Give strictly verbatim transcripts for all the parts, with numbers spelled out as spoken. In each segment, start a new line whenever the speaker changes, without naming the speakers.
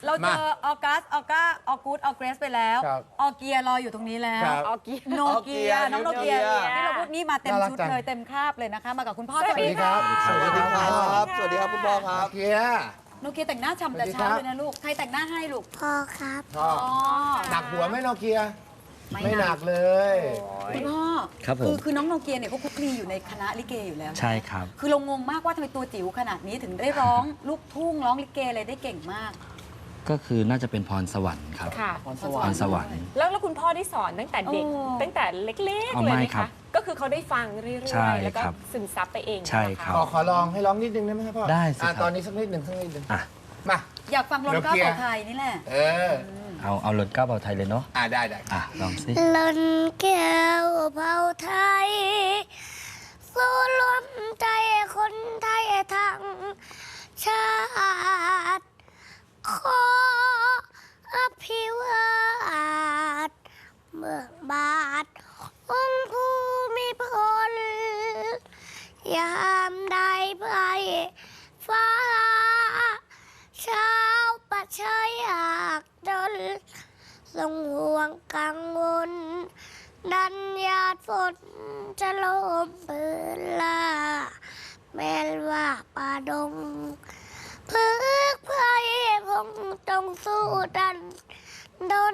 เราเจอออกัสออก้าออกูดออเกรสไปแล้วออเกียรออยู่ตรงนี้แล้วออเกียโนเกียน้องโนเกียที่เราพูดนี่มาเต็มชุดเลยเต็มคาบเลยนะคะมากับคุณพ่อสวัสดีครับ
สวัสดีครับสวัสดีครับคุณพ่อครับ
เกีย
โนเกียแต่งหน้าฉ่ำแต่เช้าเลยนะลูกใครแต่งหน้าให้ลูก
พ่อครับ
พ่อหนักหัวไหมโนเกียไม่หนักเลย
คุณพ่อ
ครับผม
คือคือน้องโนเกียเนี่ยเขาคุกคลีอยู่ในคณะลิเกอยู่แล้ว
ใช่ครับ
คือเรางงมากว่าทำไมตัวจิ๋วขนาดนี้ถึงได้ร้องลูกทุ่งร้องลิเกอะไรได้เก่งมาก
ก็คือน่าจะเป็นพรสวรรค์ครับ
ค่ะ
พรสวรรค์สวรรค์
แล้วแล้วคุณพ่อได้สอนตั้งแต่เด็กตั้งแต่เล็กๆเลยไหมคะก็คือเขาได้ฟังเรื่อยๆแล้วก็ซึมซับไปเอง
ใช่ครับ
ขอลองให้ร้องนิดนึงได้ไหมครับพ่อ
ได้สิ
ตอนนี้สักนิดหนึ่งสักนิดหนึ่งมา
อยากฟังลนเก้าเผ่าไทยนี่แหละ
เออ
เอาเอาลนเก้าเผ่าไทยเลยเนาะ
อ่าได้ได้
อ่ะลองสิ
ลนแก้วเผ่าไทยสู้รวมใจคนไทยทั้งชาติขออภิวาทเมืองบาทองค์ภูมิพลยามใดไพฟ้าชาวประชาอยากจนทรงห่วงกังวลดันญาติฝนจะลมปืนลาแม้ว่าป่าดงพึกไพรพงจงสู้ดันดน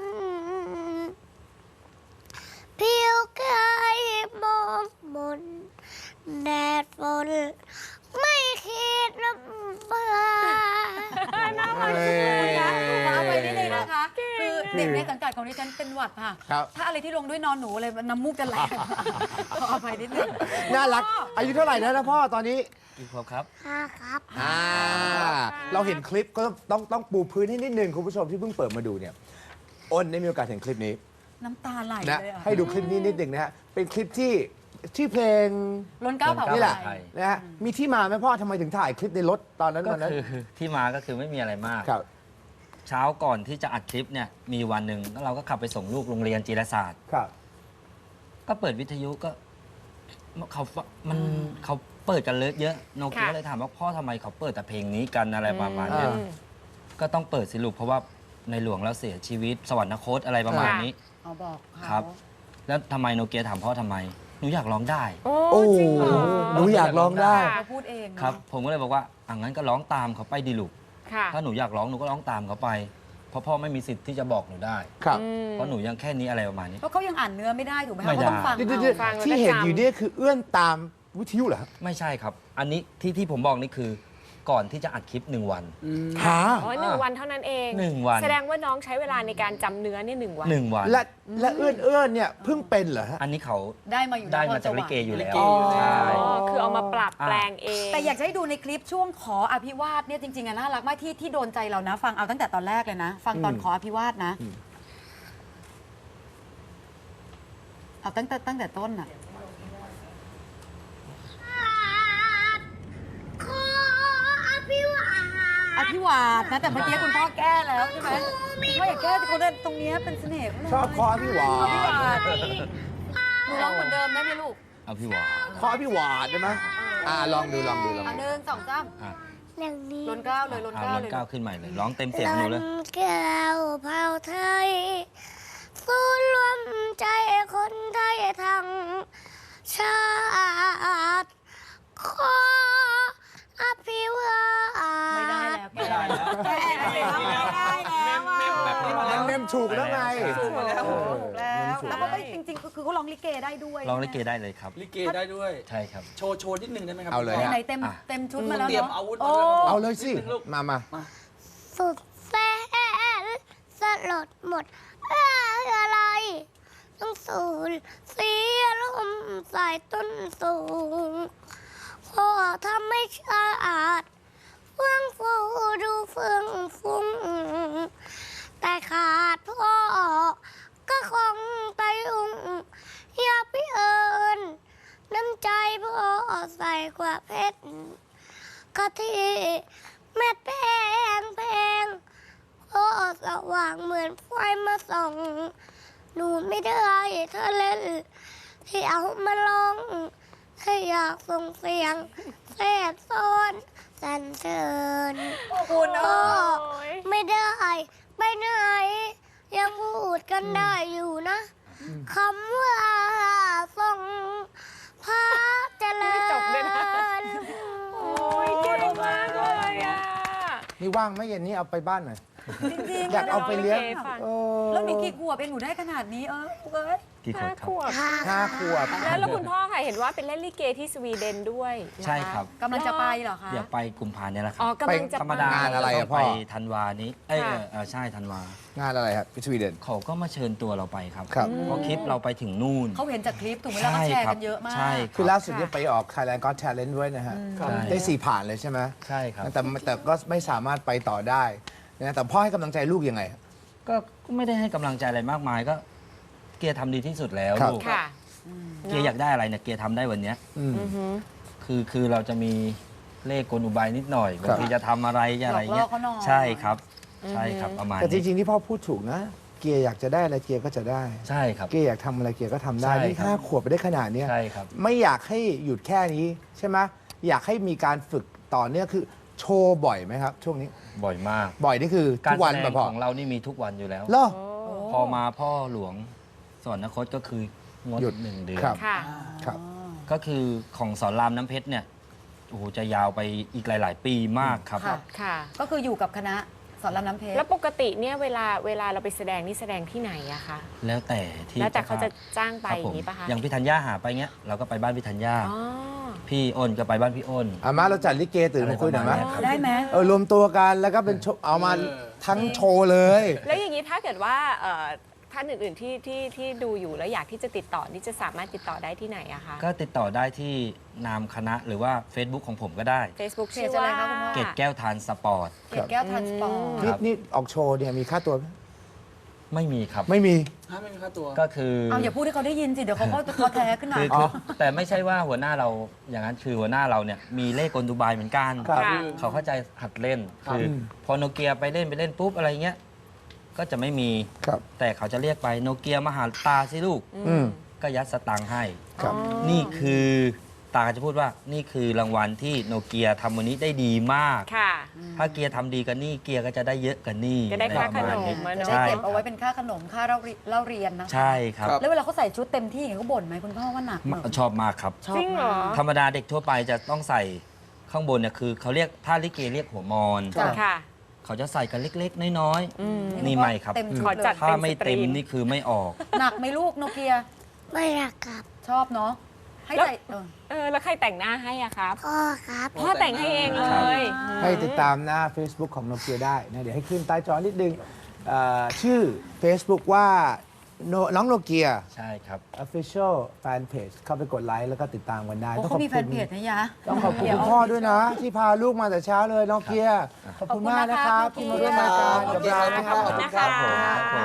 เพียวกายมองมนแดดฝนไม่คิดน้ำตา
น่ารักเลยนะเอาไปนิดนึงนะคะคือเด็กในสังกัดของดิฉันเป็นหวัดค่ะถ้าอะไรที่ลงด้วยนอนหนูอะไรน้ำมูกจะไหลเอาไปนิดนึง
น่ารักอายุเท่าไหร่แล้วนะพ่อตอนนี้
กี่ขวบครับ
ห้าครับ
อ่าเราเห็นคลิปก็ต้องต้องปูพื้นให้นิดนึงคุณผู้ชมที่เพิ่งเปิดมาดูเนี่ยอ้นได้มีโอกาสเห็นคลิปนี้
น้ำตาไหลเลย
ให้ดูคลิปนี้นิดหนึ่งนะฮะเป็นคลิปที่ชื่อเพลง
ล้นเก้าเผ่า
นี่แหละนะฮะมีที่มาไหมพ่อทำไมถึงถ่ายคลิปในรถตอนนั้น
ก็คือที่มาก็คือไม่มีอะไรมาก
ครับ
เช้าก่อนที่จะอัดคลิปเนี่ยมีวันหนึ่งแล้วเราก็ขับไปส่งลูกโรงเรียนจีรศาสตร์
ครับ
ก็เปิดวิทยุก็เขามันเขาเปิดกันเยอะโนเกียเลยถามว่าพ่อทำไมเขาเปิดแต่เพลงนี้กันอะไรประมาณนี้ก็ต้องเปิดสิลูกเพราะว่าในหลวงแล้วเสียชีวิตสวรรคตอะไรประมาณนี้
เอาบอก
ครับแล้วทำไมโนเกียถามพ่อทำไมหนูอยากร้องได้
โอ้จริงเหรอ
หนูอยากร้องได้
เขาพูดเอง
ครับผมก็เลยบอกว่าอ่ะงั้นก็ร้องตามเขาไปดิลูกถ้าหนูอยากร้องหนูก็ร้องตามเขาไปเพราะพ่อไม่มีสิทธิ์ที่จะบอกหนูได้
ครับ
เพราะหนูยังแค่นี้อะไรประมาณนี้
เพราะเขายังอ่านเนื้อไม่ได้ถูกไหมเขาต้องฟัง
ที่เห็นอยู่นี่คือเอื้อนตามวิทยุเหรอ
ไม่ใช่ครับอันนี้ที่ที่ผมบอกนี่คือก่อนที่จะอัดคลิปหนึ่งวัน
ค่ะ
อ๋อหนึ่งวันเท่านั้นเอง
หนึ่งวัน
แสดงว่าน้องใช้เวลาในการจำเนื้อเนี่ยหนึ่งวัน
หนึ่งวัน
และและเอื้อนเอื้อนเนี่ยเพิ่งเป็นเหรอฮะ
อันนี้เขา
ได้มาอยู่
ได้มาจากลิเกอยู่แล้ว
ใช่คือเอามาปรับแปลงเอง
แต่อยากให้ดูในคลิปช่วงขออภิวาทเนี่ยจริงๆน่ารักมากที่ที่โดนใจเรานะฟังเอาตั้งแต่ตอนแรกเลยนะฟังตอนขออภิวาทนะเอาตั้งแต่ตั้งแต่ต้นอะอภิวาทนะแต่เมื่อกี้คุณพ่อแก้แล้วใช่ไหมพ่ออยากแก้แต่คนตรงนี้เป็นเสน่ห์
ชอบคออภิวาท
อภิวาทหนูร้องเหมือนเดิมได้ไหมลูก
อภิวาท
คออภิวาทได้ไหมอ่าลองดูลองดูลอง
ดูหนึ่งสองสาม
อย่างนี้
ล้นเก้าเลยล้นเก้าเลย
ล้นเก้าขึ้นใหม่เลยร้องเต็มเสียงหนูเลย
ล้นเก้าเผ่าไทยสู้รวมใจคนไทยทั้งชาติขออภิวาท
ไม่ได้แล้วไม่ได้แล้วไม่ได้แล้ว
เมมถูกแล้วไง
ถูกแล้วแล้วแล้วก็จริงๆคือเขาร้องลิเกได้ด้วย
ร้องลิเกได้เลยครับ
ลิเกได้ด้วย
ใช่ครับ
โชว์โชว์นิดนึงได้ไหมครับ
เอาเลย
ไหนเต็มเต็มชุดมาแล้ว
เตรียมอาวุธ
เอาเลยสิมามา
สุดแสนสลดหมดอะไรต้องสูญเสียลมสายต้นสูงพ่อทำไม่สะอาดเฟื่องฟูดูเฟื่องฟุ้งแต่ขาดพ่อก็คงไปอุ้งอย่าไปเอิญน้ำใจพ่อใส่กว่าเพชรกะทิเม็ดแพงแพงพ่อสว่างเหมือนไฟมาส่องหนูไม่ได้เธอเล่นที่เอามาลองให้อยากส่งเสียงแสบซ้อนสรรเสริญ
ขอบคุณนะ
พ่อ
โอ้ย
ไม่ได้ไปไหนยังพูดกันได้อยู่นะคำว่าทรงพระเจริญ
ไม่จบเลยนะ โอ้ยเก่งมากเลยอ่ะ
นี่ว่างไหมเย็นนี้เอาไปบ้านหน่อย
จริงๆ
อยากเอาไปเลี้ยง
ร้องลิเกฟัง
เออ
แล้วหนูกี่ขวบเองหนูได้ขนาดนี้เออลูกเอ้ย
กี่คน
ห้า
ครั
ข
บ
วบ
ห้าขวบ
แล้วแล้วคุณพ่อค่ะเห็นว่าเป็นเล่นลิเกที่สวีเดนด้วยนะะ
ใช่ครับ
กำลังจะไปเหรอคะ
เดี๋ยวไปกุมภาเนี่ยแหละครั
อ๋อกำลังจะ
ธรรมดาง
านอะไรอะ
ต้ง
พ่อ
ไปธันวานี้ เอ้ย
ค่ะ
เออใช่ธันวา
งานอะไรครับสวีเดน
เขาก็มาเชิญตัวเราไปครับ
ครับ
เพราะคลิปเราไปถึงนู่น
เขาเห็นจากคลิปถูกไหมแล้วก็แชร์กันเยอะมาก
ใช่รับ
คือล่าสุดเนี่ยไปออก Thailand Got Talent ด้วยนะฮะ
ใช่
ได้สี่ผ่านเลยใช่ไหม
ใช่ครับ
แต่แต่ก็ไม่สามารถไปต่อได้นะแต่พ่อให้กำลังใจลูกยังไง
ก็ก็ไม่ได้ให้กำลังใจอะไรมากมายก็ เกียร์ทำดีที่สุดแล้ว
ครับ
ลูก
ค่ะ
เกียร์อยากได้อะไรเนี่ยเกียร์ทำได้วันเนี้ย
อืม
อือหือ
คือคือเราจะมีเลขกลอุบายนิดหน่อยบางทีจะทำอะไรจะอะไรเงี้ย
หลอกล่อเขาหน่อย
ใช่ครับ ใช่ครับประมาณ
แต่จ
นี้
ริงๆที่พ่อพูดถูกนะ เกียร์อยากจะได้อะไรเกียร์ก็จะได้
ใช่ครับ
เกียร์อยากทำอะไรเกียร์ก็ทำได้
ใช่
นี่
ครับ
ห้าขวบไปได้ขนาดเนี้ย
ใช่ครับ
ไม่อยากให้หยุดแค่นี้ใช่ไหมอยากให้มีการฝึกต่อเนื่องคือโชว์บ่อยไหมครับ ช่วงนี้
บ่อยมาก
บ่อยนี่คือ
การ
ทุกวัน
แสด
แบบ
ง
พ่อ
ของเรานี่มีทุกวันอยู่แล้ว
เหรอ
พอมาพ่อหลวงสวรรคตก็คืองด
หยุด
หนึ่งเดือน
ครับ
ค่ะ
ครับ
ก็คือของสอนรามน้ำเพชรเนี่ยโอ้โหจะยาวไปอีกหลาย ๆ ปีมากครับ
ค่ะ
ค่ะ
ก็คืออยู่กับคณะสอนรามน้ำเพชร
แล้วปกติเนี่ยเวลาเวลาเราไปแสดงนี่แสดงที่ไหนอะคะ
แล้วแต่ที่
แล้วแต่เขาจะจ้างไป
ครับ
อ
ผ
ย่าม งนี้ปะคะ
อย่างพี่ธัญญาหาไปเงี้ยเราก็ไปบ้านพี่ธัญญา
อ๋อ
พี่อ้นก็ไปบ้านพี่อ้น
อามาเราจัดลิเกตื่นมาคุยหน่อยไหม
อะไรประมาณเนี้ยครับ
ได้ไหม
เออรวมตัวกันแล้วก็เป็นโชว์เอามาทั้งโชว์เลย
แล้วอย่างนี้ถ้าเกิดว่าเอ่อท่านอื่นๆที่ที่ที่ดูอยู่แล้วอยากที่จะติดต่อนี่จะสามารถติดต่อได้ที่ไหนอะคะ
ก็ติดต่อได้ที่นามคณะหรือว่า Facebook ของผมก็ได้
Facebook
เพจ
ชื่อ
อะไร
ว่า
คะคุณพ่อ
เกตแก้วทานสปอร์ต
เกดแก้วทรานสปอร์ต
นี่นี่ออกโชว์เนี่ยมีค่าตัวไหม
ไม่มีครับ
ไม่มี
ก็คือ
เอาอย่าพูดให้เขาได้ยินสิ เดี๋ยวเขาก็จะท้อแท้ขึ้นมา
คือคือแต่ไม่ใช่ว่าหัวหน้าเราอย่างนั้นคือหัวหน้าเราเนี่ยมีเลขกลดูบายเหมือนกัน
ครับ
ค่ะ
เขาเข้าใจหัดเล่น คืออ
ม
พอโนเกียไปเล่นไปเล่นปุ๊บอะไรเงี้ยก็จะไม่มี
ครับ
แต่เขาจะเรียกไปโนเกียมาหาตาสิลูก
อืม
ก็ยัดสตังค์ให้
ครับ
นี่คือตาก็จะพูดว่านี่คือรางวัลที่โนเกียทำวันนี้ได้ดีมาก
ค่ะ
ถ้าเกียร์ทำดีกันนี่เกียร์ก็จะได้เยอะกันนี่
จะได้ค่าขนม
อะไรประมาณ
จะ
นี้
ได้
ใช่
เก็บเอาไว้เป็นค่าขนมค่าเล่าเรีเล่าเรียนนะคะ
ใช่ครับ
แล้วเวลาเขาใส่ชุดเต็มที่อย่างเงี้ยเขาบ่นไหมคุณพ่อว่าหนักไหม
ชอบมากครับ
ชอบ
จริงเหรอ
มาก
ธรรมดาเด็กทั่วไปจะต้องใส่ข้างบนเนี่ยคือเขาเรียกถ้าลิเกเรียกหัวมอน
จ้ะ
ค่ะ
เขาจะใส่กันเล็กๆ น้อย
อืม
นี่ไม่ครับ
เต็มชุ
ขอ
ดเล
จัด
ย
ๆ ถ้าไม่เต็มนี่คือไม่ออก
หนักไหมลูกโนเกีย
ไม่รักครับ
ชอบเนาะให้
แล้ว
ใส่เออ
เออแล้วใครแต่งหน้าให้อะครับ
พ่อครับ
พ่อแต่งให้เองเลย
ให้ติดตามหน้า Facebook ของโนเกียได้นะเดี๋ยวให้ขึ้นใต้จอนิดนึงเอ่อชื่อ Facebook ว่าโนน้องโนเกีย
ใช่ครับ
Official Fan Page เข้าไปกดไลค์แล้วก็ติดตามกันได้
โอ้
ต้องข
เขา
อบ
มี
คุ
แฟ
ณ
นเพจนะยะ
ต้องขอบคุณคุณพ่อด้วยนะ ที่พาลูกมาแต่เช้าเลยโนเกีย ขอบคุณมากนะครับที่มาร่วมรายการกับเรานะครับ
ขอบคุณนะคะ
ครับผม